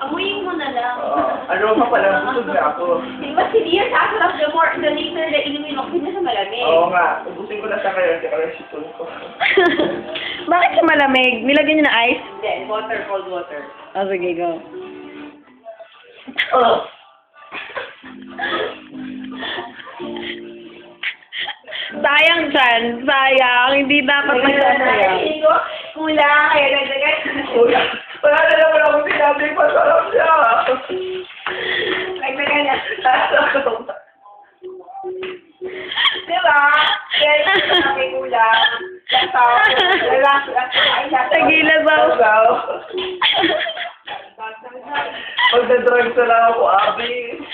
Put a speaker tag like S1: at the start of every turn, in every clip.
S1: Amuyin mo na lang.
S2: Aroma pa lang, busog na ako.
S1: Mas hindi yan sasarap the later na inumin mo, kasi sa malamig.
S2: Oo nga, ubusin ko na sa kayo, kaya kayo sipon ko.
S3: Bakit siya malamig? Nilagyan niyo na ice?
S1: Then, water, cold water.
S3: Oh, sige, go.
S2: Oh.
S3: Sayang dyan. Sayang. Hindi dapat magsasayang.
S1: Hindi ko, kulang, kaya nagdagan.
S2: Kuya, wala na naman akong sinabi, masarap siya.
S1: Nagdagan na. Diba? Kaya may kulang. Relax.
S3: Tagila daw.
S2: Pagdadrugs na lang ako, Abi.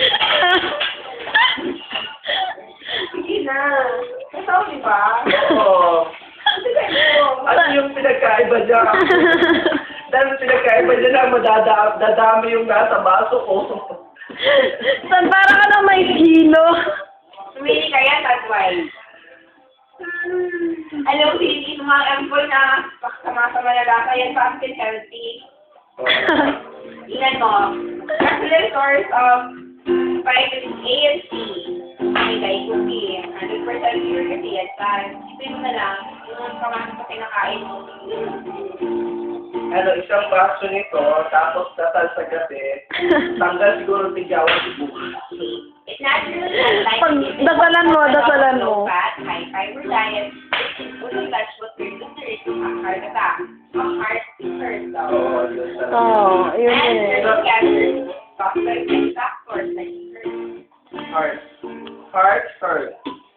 S1: Sige na. Kasama di ba?
S2: Oo. Ano yung pinagkaiba dyan? Dahil pinagkaiba dyan na dadami yung nasa baso ko.
S3: San, para ka na may kilo.
S1: Sumili ka yan, that's why. Alam mo, hindi sa mga employ na sama-sama na lasa yan, fast and healthy. Ilan mo? Excellent source of vitamin A and C. May guys, cookie. 100% pure kasi yan. Isipin mo na lang, yung kamasok sa kinakain mo.
S2: Ano, isang baso nito, tapos dasal sa gabi, tanggal siguro tigyawan si bukas.
S1: It's naturally like
S3: Pag dasalan mo, dasalan mo.
S1: low fat, high fiber diet, full of vegetables, nutrients, heart attack, heart first though.
S2: Oo, yun talaga.
S3: Oo, yun
S1: And
S3: eh.
S1: certain cancers, toxic and factors like
S2: Heart. Heart first.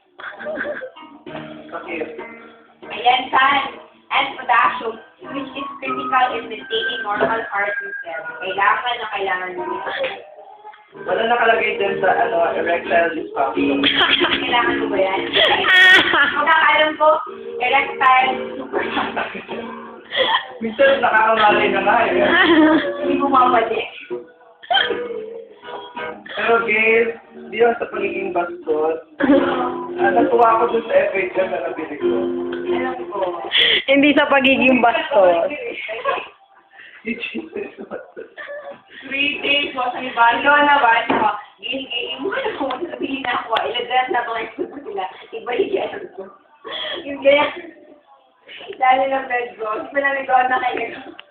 S2: Sakit.
S1: ayan, sun, and potassium, which is critical in maintaining normal heart rhythm. Kailangan nyo.
S2: Wala nakalagay din sa erectile dysfunction.
S1: Kailangan mo ba yan? Magkakalam ko, erectile super.
S2: Minsan nakakamali na nga eh.
S1: Hindi mo mabalik.
S2: Pero guys, di lang sa pagiging bastos. Natuwa ako dun sa FHM na nabili ko.
S1: Alam ko.
S3: Hindi sa pagiging bastos.
S2: Yung Jesus bastos.
S1: 3 days mo sa iba. Ikaw naman, giligay mo na kung sabihin na ako, ilagras na mga ito sila. Iba yung yan ko. Yung ganyan. Dali ng bed ko. Hindi pa na nagawa na kayo.